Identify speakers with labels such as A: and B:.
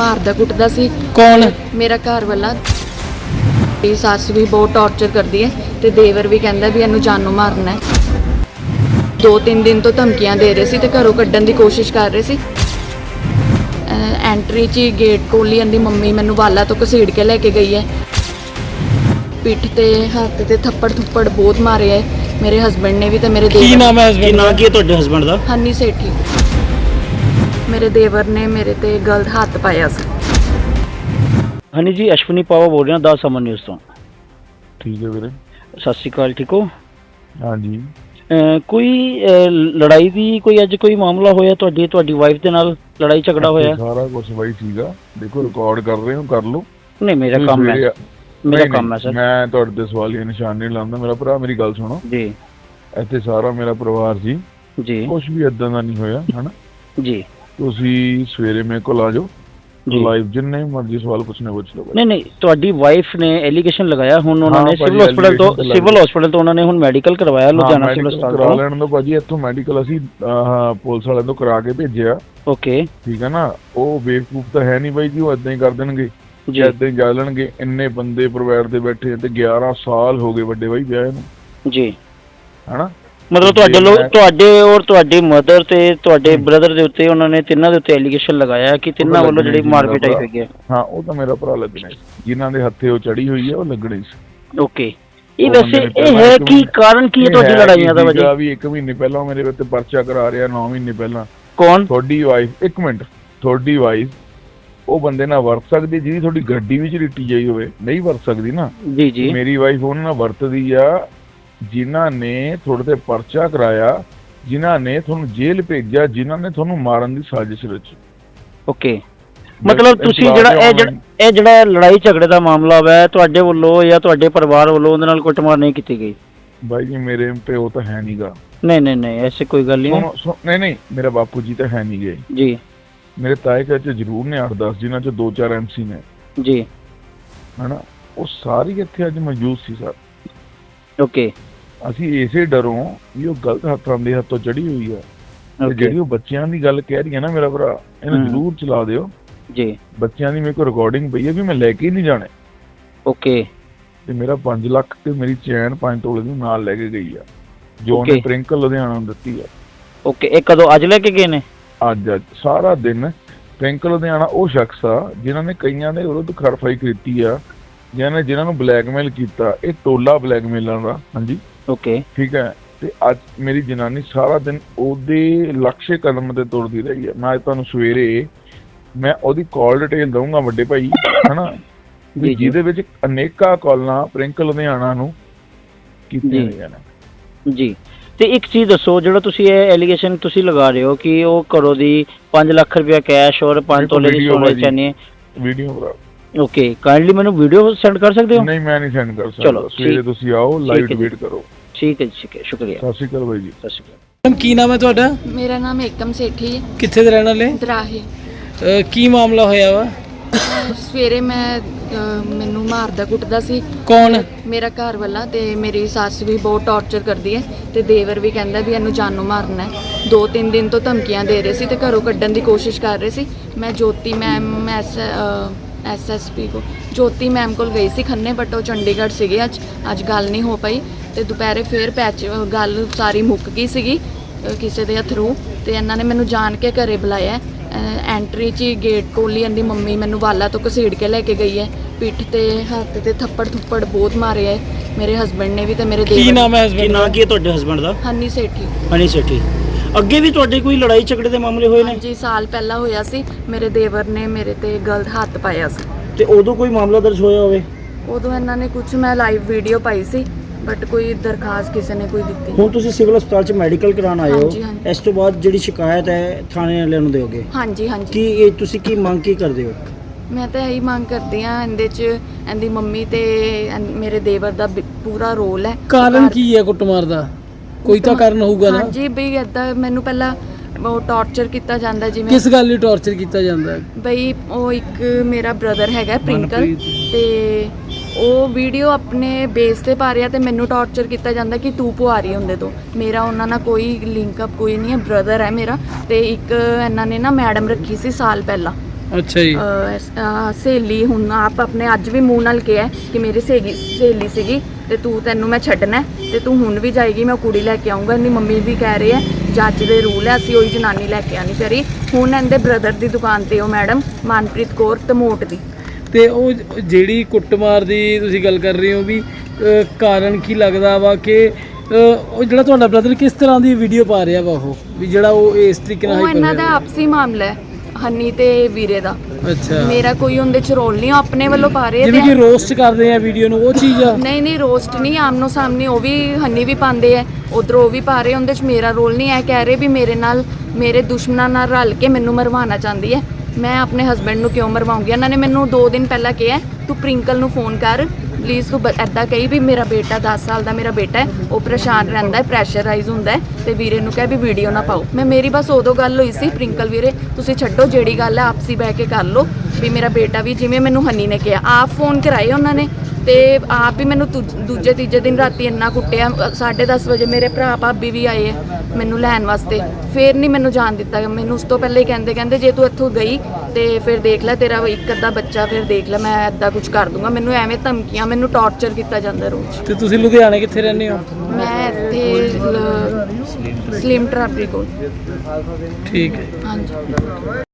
A: ਮਾਰਦਾ ਕੁੱਟਦਾ ਸੀ।
B: ਕੌਣ?
A: ਮੇਰਾ ਘਰ ਵਾਲਾ। ਮੇਰੀ ਸੱਸ ਵੀ ਬਹੁਤ ਟੌਰਚਰ ਕਰਦੀ ਹੈ ਤੇ ਦੇਵਰ ਵੀ ਕਹਿੰਦਾ ਵੀ ਇਹਨੂੰ ਜਾਨੋਂ ਮਾਰਨਾ ਹੈ। 2-3 ਦਿਨ ਤੋਂ ਧਮਕੀਆਂ ਦੇ ਰਹੇ ਸੀ ਤੇ ਘਰੋਂ ਕੱਢਣ ਦੀ ਕੋਸ਼ਿਸ਼ ਕਰ ਰਹੇ ਸੀ। ਐਂਟਰੀ 'ਚ ਹੀ ਗੇਟ ਕੋਲ ਹੀ ਇਹਦੀ ਮੰਮੀ ਮੈਨੂੰ ਵਾਲਾ ਤੋਂ ਘਸੀੜ ਕੇ ਲੈ ਕੇ ਗਈ ਹੈ। ਪਿੱਠ ਤੇ ਹੱਥ ਤੇ ਥੱਪੜ ਬਹੁਤ ਮਾਰੇ ਹੈ ਮੇਰੇ ਹਸਬੰਡ ਨੇ ਵੀ ਤੇ ਮੇਰੇ ਦੇਵਰ।
B: ਕੀ ਨਾਮ ਹੈ ਹਸਬੰਡ? ਕੀ ਨਾਮ ਕੀ ਹੈ ਤੁਹਾਡੇ ਹਸਬੰਡ ਦਾ?
A: ਹਨੀ ਸੇਠੀ। ਮੇਰੇ ਦੇਵਰ ਨੇ ਮੇਰੇ ਤੇ ਗਲਤ ਹੱਥ ਪਾਇਆ ਸੀ।
B: ਹਨੀ ਜੀ, ਅਸ਼ਵਨੀ ਪਾਵਾ ਬੋਲ ਰਿਹਾ 10 ਅਮਨ ਨਿਊਜ਼ ਤੋਂ।
C: ਠੀਕ ਹੈ ਵੀਰੇ।
B: ਸਤਿ ਸ਼੍ਰੀ ਅਕਾਲ, ਠੀਕ ਹੋ?
C: ਹਾਂਜੀ।
B: ਕੋਈ ਲੜਾਈ ਦੀ ਕੋਈ ਅੱਜ ਕੋਈ ਮਾਮਲਾ ਹੋਇਆ ਤੁਹਾਡੀ ਵਾਈਫ ਦੇ ਨਾਲ ਲੜਾਈ ਝਗੜਾ ਹੋਇਆ?
C: ਸਾਰਾ ਕੁਝ ਬਾਈ ਸੀਗਾ, ਦੇਖੋ ਰਿਕਾਰਡ ਕਰ ਰਹੇ ਹੋ, ਕਰ ਲਓ।
B: ਨਹੀਂ, ਮੇਰਾ ਕੰਮ ਹੈ, ਮੇਰਾ ਕੰਮ ਹੈ ਸਰ।
C: ਮੈਂ ਤੁਹਾਡੇ ਤੇ ਸਵਾਲੀਆ ਨਿਸ਼ਾਨ ਨਹੀਂ ਲਾਉਂਦਾ। ਮੇਰਾ ਭਰਾ, ਮੇਰੀ ਗੱਲ ਸੁਣੋ
B: ਜੀ।
C: ਇੱਥੇ ਸਾਰਾ ਮੇਰਾ ਪਰਿਵਾਰ ਜੀ ਕੁਝ ਵੀ ਏਦਾਂ ਦਾ ਨਹੀਂ ਹੋਇਆ, ਹਨਾ
B: ਜੀ।
C: ਤੁਸੀਂ ਸਵੇਰੇ ਮੇਰੇ ਕੋਲ ਆ ਜਾਓ, ਲਾਈਵ ਜਿੰਨੇ ਮਰਜ਼ੀ ਸਵਾਲ ਪੁੱਛਣੇ ਪੁੱਛ ਲਓ।
B: ਨਹੀਂ, ਤੁਹਾਡੀ ਵਾਈਫ ਨੇ ਐਲੀਗੇਸ਼ਨ ਲਗਾਇਆ, ਹੁਣ ਉਹਨਾਂ ਨੇ ਸਿਵਲ ਹਸਪੀਟਲ ਤੋਂ ਉਹਨਾਂ ਨੇ ਹੁਣ ਮੈਡੀਕਲ ਕਰਵਾਇਆ ਲੁਧਿਆਣਾ ਸਿਵਲ ਹਸਪਤਾਲ ਤੋਂ।
C: ਕਰਾ ਲੈਣ ਦੋ ਭਾਜੀ, ਇੱਥੋਂ ਮੈਡੀਕਲ ਅਸੀਂ ਪੁਲਿਸ ਵਾਲਿਆਂ ਤੋਂ ਕਰਾ ਕੇ ਭੇਜਿਆ।
B: ਓਕੇ,
C: ਠੀਕ ਹੈ ਨਾ। ਉਹ ਬੇਵਕੂਫ ਤਾਂ ਹੈ ਨਹੀਂ ਬਾਈ ਜੀ, ਉਹ ਏਦਾਂ ਹੀ ਕਰ ਦੇਣਗੇ, ਏਦਾਂ ਹੀ ਜਾ ਲੈਣਗੇ। ਇੰਨੇ ਬੰਦੇ ਪਰਿਵਾਰ ਦੇ ਬੈਠੇ ਤੇ 11 ਸਾਲ ਹੋ ਗਏ ਵੱਡੇ ਬਾਈ ਵਿਆਹ ਨੂੰ ਜੀ, ਹਨਾ। ਮਤਲਬ
B: ਤੁਹਾਡੇ ਔਰ ਤੁਹਾਡੀ ਮਦਰ ਤੇ ਤੁਹਾਡੇ ਬ੍ਰਦਰ ਦੇ ਉੱਤੇ ਉਹਨਾਂ ਨੇ ਤਿੰਨਾਂ ਦੇ ਉੱਤੇ ਐਲੀਗੇਸ਼ਨ ਲਗਾਇਆ ਕਿ ਤਿੰਨਾਂ ਵੱਲੋਂ ਜਿਹੜੀ ਮਾਰਪੀਟ ਹੋਈ ਹੈ।
C: ਹਾਂ, ਉਹ ਤਾਂ ਮੇਰਾ ਭਰਾ ਲੱਗਣਾ ਸੀ, ਜਿਨ੍ਹਾਂ ਦੇ ਹੱਥੇ ਉਹ ਚੜੀ ਹੋਈ ਹੈ ਉਹ ਲੱਗਣੀ ਸੀ।
B: ਓਕੇ, ਇਹ ਵੈਸੇ ਇਹ ਹੈ ਕਿ ਕਾਰਨ ਕੀ ਹੈ ਤੁਹਾਡੀ ਲੜਾਈਆਂ ਦਾ? ਵਜ੍ਹਾ
C: ਵੀ 1 ਮਹੀਨੇ ਪਹਿਲਾਂ ਮੇਰੇ ਉੱਤੇ ਪਰਚਾ ਕਰਾ ਰਿਹਾ, 9 ਮਹੀਨੇ ਪਹਿਲਾਂ।
B: ਕੌਣ?
C: ਤੁਹਾਡੀ ਵਾਈਫ। 1 ਮਿੰਟ, ਤੁਹਾਡੀ ਵਾਈਫ ਉਹ ਬੰਦੇ ਨਾਲ ਵਰਤ ਸਕਦੀ ਜਿਹਦੀ ਤੁਹਾਡੀ ਗੱਡੀ ਵਿੱਚ ਲਿੱਟੀ ਜਾਈ ਹੋਵੇ? ਨਹੀਂ ਵਰਤ ਸਕਦੀ ਨਾ। ਜੀ। ਮੇਰੀ ਵਾਈਫ ਉਹਨਾਂ ਨਾਲ ਵਰਤਦੀ ਆ ਜਿਨ੍ਹਾਂ ਨੇ ਤੁਹਾਡੇ ਤੇ ਪਰਚਾ ਕਰਾਇਆ, ਜਿਨ੍ਹਾਂ ਨੇ ਤੁਹਾਨੂੰ ਜੇਲ੍ਹ ਭੇਜਿਆ, ਜਿਨ੍ਹਾਂ ਨੇ ਤੁਹਾਨੂੰ ਮਾਰਨ ਦੀ ਸਾਜ਼ਿਸ਼ ਰਚੀ।
B: ਓਕੇ, ਮਤਲਬ ਤੁਸੀਂ ਇਹ ਜਿਹੜਾ ਲੜਾਈ ਝਗੜੇ ਦਾ ਮਾਮਲਾ ਹੈ ਤੁਹਾਡੇ ਵੱਲੋਂ ਜਾਂ ਤੁਹਾਡੇ ਪਰਿਵਾਰ ਵੱਲੋਂ ਉਹਦੇ ਨਾਲ ਕੁੱਟਮਾਰ ਨਹੀਂ ਕੀਤੀ ਗਈ?
C: ਬਾਈ ਜੀ, ਮੇਰੇ ਪਿਓ ਤਾਂ ਹੈ ਨਹੀਂਗਾ।
B: ਨਹੀਂ, ਐਸੀ ਕੋਈ ਗੱਲ ਨਹੀਂ।
C: ਨਹੀਂ, ਮੇਰਾ ਬਾਪੂ ਜੀ ਤਾਂ ਹੈ ਨਹੀਂ ਗਏ ਜੀ। ਮੇਰੇ ਤਾਏ ਚਾਚੇ ਜ਼ਰੂਰ ਨੇ 8-10, ਜਿਨ੍ਹਾਂ 'ਚ 2-4 MC ਨੇ ਜੀ, ਹਨਾ। ਉਹ ਸਾਰੀ ਇੱਥੇ ਅੱਜ ਮੌਜੂਦ ਸੀ ਸਰ। ਓਕੇ, ਅਸੀਂ ਇਸੇ ਡਰੋਂ ਵੀ ਉਹ ਗਲਤ ਹੱਥਾਂ ਦੇ ਹੱਥੋਂ ਚੜੀ ਹੋਈ ਆ। ਜਿਹੜੀ ਉਹ ਬੱਚਿਆਂ ਦੀ ਗੱਲ ਕਹਿ ਰਹੀ ਹੈ ਨਾ ਮੇਰਾ ਭਰਾ, ਇਹਨੂੰ ਜ਼ਰੂਰ ਚਲਾ ਦਿਓ ਜੀ। ਬੱਚਿਆਂ ਦੀ ਮੇਰੇ ਕੋਲ ਰਿਕਾਰਡਿੰਗ ਪਈ ਹੈ ਵੀ ਮੈਂ ਲੈ ਕੇ ਹੀ ਨਹੀਂ ਜਾਣੇ। ਓਕੇ, ਤੇ ਮੇਰਾ 5 ਲੱਖ ਤੇ ਮੇਰੀ ਚੈਨ 5 ਤੋਲੇ ਦੀ ਨਾਲ ਲੈ ਕੇ ਗਈ ਆ, ਜੋ ਉਹਨੇ ਪ੍ਰਿੰਕਲ ਲੁਧਿਆਣਾ ਨੂੰ ਦਿੱਤੀ ਆ। ਓਕੇ, ਇਹ ਕਦੋਂ? ਅੱਜ ਲੈ ਕੇ ਗਏ ਨੇ? ਅੱਜ ਸਾਰਾ ਦਿਨ। ਪ੍ਰਿੰਕਲ ਲੁਧਿਆਣਾ ਉਹ ਸ਼ਖਸ ਆ ਜਿਨ੍ਹਾਂ ਨੇ ਕਈਆਂ ਦੇ ਵਿਰੁੱਧ ਖਰਫਾਈ ਕੀਤੀ ਆ, ਜਿਨ੍ਹਾਂ ਨੂੰ ਬਲੈਕਮੇਲ ਕੀਤਾ। ਇਹ ਟੋਲਾ ਬਲੈਕਮੇਲਰਾਂ ਦਾ। ਹਾਂਜੀ, ਓਕੇ, ਠੀਕ ਹੈ। ਤੇ ਅੱਜ ਮੇਰੀ ਜਨਾਨੀ ਸਾਰਾ ਦਿਨ ਉਹਦੇ ਲਕਸ਼ੇ ਕਦਮ ਤੇ ਤੁਰਦੀ ਰਹੀ ਹੈ। ਮੈਂ ਤੁਹਾਨੂੰ ਸਵੇਰੇ ਮੈਂ ਉਹਦੀ ਕਾਲ ਡਿਟੇਲ ਦਊਂਗਾ ਵੱਡੇ ਭਾਈ, ਹਨਾ, ਜਿਹਦੇ ਵਿੱਚ ਅਨੇਕਾਂ ਕਾਲਾਂ ਪ੍ਰਿੰਕਲ ਲੁਧਿਆਣਾ ਨੂੰ ਕੀਤੀਆਂ ਗਈਆਂ ਨੇ ਜੀ। ਤੇ ਇੱਕ ਚੀਜ਼ ਦੱਸੋ, ਜਿਹੜਾ ਤੁਸੀਂ ਇਹ ਐਲੀਗੇਸ਼ਨ ਤੁਸੀਂ ਲਗਾ ਰਹੇ ਹੋ ਕਿ ਉਹ ਘਰੋਂ ਦੀ 5 ਲੱਖ ਰੁਪਇਆ ਕੈਸ਼ ਔਰ 5 ਤੋਲੇ ਦੀ ਸੋਨੇ ਚਾਹੀਦੀ ਹੈ, ਵੀਡੀਓ ਬਣਾ। ਓਕੇ, ਕਾਈਂਡਲੀ ਮੈਨੂੰ ਵੀਡੀਓ ਸੈਂਡ ਕਰ ਸਕਦੇ ਹੋ? ਨਹੀਂ, ਮੈਂ ਨਹੀਂ ਸੈਂਡ ਕਰ ਸਕਦਾ। ਚਲੋ, ਸਵੇਰੇ ਤੁਸੀਂ ਆਓ, ਲਾਈਵ ਡਿਬੇਟ ਕਰੋ। ਠੀਕ ਹੈ ਜੀ, ਠੀਕ ਹੈ, ਸ਼ੁਕਰੀਆ। ਸਤਿ ਸ਼੍ਰੀ ਅਕਾਲ ਬਾਈ ਜੀ। ਸਤਿ ਸ਼੍ਰੀ ਅਕਾਲ।
B: ਕੀ ਨਾਮ ਹੈ ਤੁਹਾਡਾ?
A: ਮੇਰਾ ਨਾਮ ਏਕਮ ਸੇਠੀ ਹੈ।
B: ਕਿੱਥੇ ਦੇ ਰਹਿਣ ਵਾਲੇ?
A: ਦਰਾਹੇ।
B: ਕੀ ਮਾਮਲਾ ਹੋਇਆ ਵਾ?
A: ਸਵੇਰੇ ਮੈਨੂੰ ਮਾਰਦਾ ਕੁੱਟਦਾ ਸੀ।
B: ਕੌਣ?
A: ਮੇਰਾ ਘਰ ਵਾਲਾ। ਤੇ ਮੇਰੀ ਸੱਸ ਵੀ ਬਹੁਤ ਟੌਰਚਰ ਕਰਦੀ ਹੈ ਤੇ ਦੇਵਰ ਵੀ ਕਹਿੰਦਾ ਵੀ ਇਹਨੂੰ ਜਾਨੋਂ ਮਾਰਨਾ ਹੈ। 2-3 ਦਿਨ ਤੋਂ ਧਮਕੀਆਂ ਦੇ ਰਹੇ ਸੀ ਤੇ ਘਰੋਂ ਕੱਢਣ ਦੀ ਕੋਸ਼ਿਸ਼ ਕਰ ਰਹੇ ਸੀ। ਮੈਂ ਜੋਤੀ ਮੈਮ SSP ਕੋ ਜੋਤੀ ਮੈਮ ਕੋਲ ਗਈ ਸੀ ਖੰਨੇ, ਬਟ ਉਹ ਚੰਡੀਗੜ੍ਹ ਸੀਗੇ। ਅੱਜ ਗੱਲ ਨਹੀਂ ਹੋ ਪਾਈ ਤੇ ਦੁਪਹਿਰੇ ਫੇਰ ਗੱਲ ਸਾਰੀ ਮੁੱਕ ਗਈ ਸੀਗੀ ਕਿਸੇ ਦੇ ਥਰੂ। ਤੇ ਇਹਨਾਂ ਨੇ ਮੈਨੂੰ ਜਾਣ ਕੇ ਘਰੇ ਬੁਲਾਇਆ। ਐਂਟਰੀ 'ਚ ਹੀ ਗੇਟ ਕੋਲ ਹੀ ਇਹਦੀ ਮੰਮੀ ਮੈਨੂੰ ਵਾਲਾ ਤੋਂ ਘਸੀੜ ਕੇ ਲੈ ਕੇ ਗਈ ਹੈ। ਪਿੱਠ ਤੇ ਹੱਥ ਤੇ ਥੱਪੜ ਬਹੁਤ ਮਾਰੇ ਹੈ ਮੇਰੇ ਹਸਬੰਡ ਨੇ ਵੀ ਤੇ ਮੇਰੇ ਦੇਵਰ।
B: ਕੀ ਨਾਮ ਹੈ ਹਸਬੰਡ? ਕੀ ਨਾਮ ਕੀ ਹੈ ਤੁਹਾਡੇ ਹਸਬੰਡ ਦਾ?
A: ਹਨੀ ਸੇਠੀ।
B: ਹਨੀ ਸੇਠੀ। ਅੱਗੇ ਵੀ ਤੁਹਾਡੇ ਕੋਈ ਲੜਾਈ ਝਗੜੇ ਦੇ ਮਾਮਲੇ ਹੋਏ ਨੇ?
A: ਜੀ, ਸਾਲ ਪਹਿਲਾਂ ਹੋਇਆ ਸੀ। ਮੇਰੇ ਦੇਵਰ ਨੇ ਮੇਰੇ ਤੇ ਗਲਤ ਹੱਥ ਪਾਇਆ ਸੀ।
B: ਤੇ ਉਦੋਂ ਕੋਈ ਮਾਮਲਾ ਦਰਜ ਹੋਇਆ ਹੋਵੇ?
A: ਉਦੋਂ ਇਹਨਾਂ ਨੇ ਕੁਝ, ਮੈਂ ਲਾਈਵ ਵੀਡੀਓ ਪਾਈ ਸੀ, ਬਟ ਕੋਈ ਦਰਖਾਸਤ ਕਿਸੇ ਨੇ ਕੋਈ ਦਿੱਤੀ।
B: ਹੁਣ ਤੁਸੀਂ ਸਿਵਲ ਹਸਪਤਾਲ 'ਚ ਮੈਡੀਕਲ ਕਰਾਉਣ ਆਏ ਹੋ, ਇਸ ਤੋਂ ਬਾਅਦ ਜਿਹੜੀ ਸ਼ਿਕਾਇਤ ਹੈ ਥਾਣੇ ਵਾਲਿਆਂ ਨੂੰ ਦਿਓਗੇ? ਹਾਂਜੀ। ਕੀ ਇਹ ਤੁਸੀਂ ਕੀ ਮੰਗ ਕੀ ਕਰਦੇ ਹੋ?
A: ਮੈਂ ਤਾਂ ਇਹੀ ਮੰਗ ਕਰਦੀ ਹਾਂ, ਇਹਦੇ 'ਚ ਇਹਦੀ ਮੰਮੀ ਤੇ ਮੇਰੇ ਦੇਵਰ ਦਾ ਪੂਰਾ ਰੋਲ ਹੈ।
B: ਕਾਰਨ ਕੀ ਹੈ ਕੁੱਟਮਾਰ ਦਾ? ਕੋਈ ਤਾਂ ਕਾਰਨ ਹੋਊਗਾ ਨਾ?
A: ਹਾਂਜੀ, ਬਈ ਏਦਾਂ ਮੈਨੂੰ ਪਹਿਲਾਂ ਉਹ ਟੌਰਚਰ ਕੀਤਾ ਜਾਂਦਾ। ਜਿਵੇਂ
B: ਕਿਸ ਗੱਲ ਲਈ ਟੌਰਚਰ ਕੀਤਾ ਜਾਂਦਾ?
A: ਬਈ ਉਹ ਇੱਕ ਮੇਰਾ ਬ੍ਰਦਰ ਹੈਗਾ ਪ੍ਰਿੰਕਲ, ਤੇ ਉਹ ਵੀਡੀਓ ਆਪਣੇ ਬੇਸ ਤੇ ਪਾ ਰਿਹਾ ਤੇ ਮੈਨੂੰ ਟੌਰਚਰ ਕੀਤਾ ਜਾਂਦਾ ਕਿ ਤੂੰ ਪੁਆਰੀ ਹੁੰਦੇ ਤੋਂ। ਮੇਰਾ ਉਹਨਾਂ ਨਾਲ ਕੋਈ ਲਿੰਕ ਅਪ ਕੋਈ ਨਹੀਂ ਹੈ, ਬ੍ਰਦਰ ਹੈ ਮੇਰਾ। ਤੇ ਇੱਕ ਇਹਨਾਂ ਨੇ ਨਾ ਮੈਡਮ ਰੱਖੀ ਸੀ ਸਾਲ ਪਹਿਲਾਂ,
D: ਅੱਛਾ ਜੀ।
A: ਸਹੇਲੀ ਹੁਣ ਆਪ ਆਪਣੇ ਅੱਜ ਵੀ ਮੂੰਹ ਨਾਲ ਕਿਹਾ ਕਿ ਮੇਰੀ ਸਹੇਲੀ ਸੀਗੀ ਤੇ ਤੈਨੂੰ ਮੈਂ ਛੱਡਣਾ ਹੈ ਤੇ ਤੂੰ ਹੁਣ ਵੀ ਜਾਏਗੀ, ਮੈਂ ਕੁੜੀ ਲੈ ਕੇ ਆਉਂਗਾ। ਇਹਦੀ ਮੰਮੀ ਵੀ ਕਹਿ ਰਹੇ ਹੈ ਜੱਜ ਦੇ ਰੂਲ ਹੈ, ਅਸੀਂ ਉਹੀ ਜਨਾਨੀ ਲੈ ਕੇ ਆਣੀ ਚਾਹੀਦੀ। ਹੁਣ ਇਹਦੇ ਬ੍ਰਦਰ ਦੀ ਦੁਕਾਨ ਤੇ ਉਹ ਮੈਡਮ ਮਨਪ੍ਰੀਤ ਕੌਰ ਧਮੋਟ ਦੀ।
D: ਤੇ ਉਹ ਜਿਹੜੀ ਕੁੱਟਮਾਰ ਦੀ ਤੁਸੀਂ ਗੱਲ ਕਰ ਰਹੇ ਹੋ ਵੀ ਕਾਰਨ ਕੀ ਲੱਗਦਾ ਵਾ ਕਿ ਉਹ ਜਿਹੜਾ ਤੁਹਾਡਾ ਬ੍ਰਦਰ ਕਿਸ ਤਰ੍ਹਾਂ ਦੀ ਵੀਡੀਓ ਪਾ ਰਿਹਾ ਵਾ ਉਹ ਵੀ ਜਿਹੜਾ ਉਹ ਇਸ ਤਰੀਕੇ ਨਾਲ
A: ਉਹ ਇਹਨਾਂ ਦਾ ਆਪਸੀ ਮਾਮਲਾ ਹੈ ਹਨੀ ਤੇ ਵੀਰੇ ਦਾ।
D: ਅੱਛਾ,
A: ਮੇਰਾ ਕੋਈ ਉਹਦੇ ਚ ਰੋਲ ਨਹੀਂ, ਉਹ ਆਪਣੇ ਵੱਲੋਂ ਪਾ ਰਹੇ
D: ਜਿਵੇਂ ਕਿ ਰੋਸਟ ਕਰਦੇ ਆ ਵੀਡੀਓ ਨੂੰ, ਉਹ ਚੀਜ਼ ਆ?
A: ਨਹੀਂ ਰੋਸਟ ਨਹੀਂ, ਆਮਨੋ ਸਾਹਮਣੇ ਉਹ ਵੀ ਹਨੀ ਵੀ ਪਾਉਂਦੇ ਆ, ਉਧਰੋਂ ਉਹ ਵੀ ਪਾ ਰਹੇ, ਉਹਦੇ ਚ ਮੇਰਾ ਰੋਲ ਨਹੀਂ ਹੈ। ਕਹਿ ਰਹੇ ਵੀ ਮੇਰੇ ਦੁਸ਼ਮਣਾਂ ਨਾਲ ਰਲ ਕੇ ਮੈਨੂੰ ਮਰਵਾਉਣਾ ਚਾਹੁੰਦੀ ਹੈ। ਮੈਂ ਆਪਣੇ ਹਸਬੈਂਡ ਨੂੰ ਕਿਉਂ ਮਰਵਾਉਂਗੀ? ਇਹਨਾਂ ਨੇ ਮੈਨੂੰ 2 ਦਿਨ ਪਹਿਲਾਂ ਕਿਹਾ ਤੂੰ ਪ੍ਰਿੰਕਲ ਨੂੰ ਫੋਨ ਕਰ ਪਲੀਜ਼, ਤੂੰ ਐਦਾਂ ਕਹੀ ਵੀ ਮੇਰਾ ਬੇਟਾ 10 ਸਾਲ ਦਾ ਮੇਰਾ ਬੇਟਾ ਹੈ, ਉਹ ਪਰੇਸ਼ਾਨ ਰਹਿੰਦਾ ਹੈ, ਪ੍ਰੈਸ਼ਰਾਈਜ਼ ਹੁੰਦਾ ਹੈ ਤੇ ਵੀਰੇ ਨੂੰ ਕਹਿ ਵੀ ਵੀਡੀਓ ਨਾ ਪਾਓ। ਮੇਰੀ ਬਸ ਉਦੋਂ ਗੱਲ ਹੋਈ ਸੀ ਪ੍ਰਿੰਕਲ ਵੀਰੇ ਤੁਸੀਂ ਛੱਡੋ, ਜਿਹੜੀ ਗੱਲ ਹੈ ਆਪਸੀ ਬਹਿ ਕੇ ਕਰ ਲਓ ਵੀ ਮੇਰਾ ਬੇਟਾ ਵੀ ਜਿਵੇਂ ਮੈਨੂੰ ਹਨੀ ਨੇ ਕਿਹਾ, ਆਪ ਫੋਨ ਕਰਾਏ ਉਹਨਾਂ ਨੇ ਤੇ ਆਪ ਹੀ ਮੈਨੂੰ ਦੂਜੇ ਤੀਜੇ ਦਿਨ ਰਾਤੀ ਇੰਨਾ ਕੁੱਟਿਆ। 10:30 ਵਜੇ ਮੇਰੇ ਭਰਾ ਭਾਬੀ ਵੀ ਆਏ ਹੈ ਮੈਨੂੰ ਲੈਣ ਵਾਸਤੇ, ਫਿਰ ਨਹੀਂ ਮੈਨੂੰ ਜਾਣ ਦਿੱਤਾ। ਮੈਨੂੰ ਉਸ ਤੋਂ ਪਹਿਲਾਂ ਹੀ ਕਹਿੰਦੇ ਜੇ ਤੂੰ ਇੱਥੋਂ ਗਈ ਤੇ ਫਿਰ ਦੇਖ ਲੈ ਤੇਰਾ ਇੱਕ ਅੱਧਾ ਬੱਚਾ, ਫਿਰ ਦੇਖ ਲੈ ਮੈਂ ਇੱਦਾਂ ਕੁਝ ਕਰ ਦੂੰਗਾ। ਮੈਨੂੰ ਐਵੇਂ ਧਮਕੀਆਂ, ਮੈਨੂੰ ਟੌਰਚਰ ਕੀਤਾ ਜਾਂਦਾ ਰੋਜ਼।
D: ਤੇ ਤੁਸੀਂ ਲੁਧਿਆਣੇ ਕਿੱਥੇ ਰਹਿੰਦੇ ਹੋ?
A: ਮੈਂ ਇੱਥੇ ਸਲੀਮ ਟਰਾਬਰੀ ਕੋਲ।
D: ਠੀਕ ਹੈ।
A: ਹਾਂਜੀ।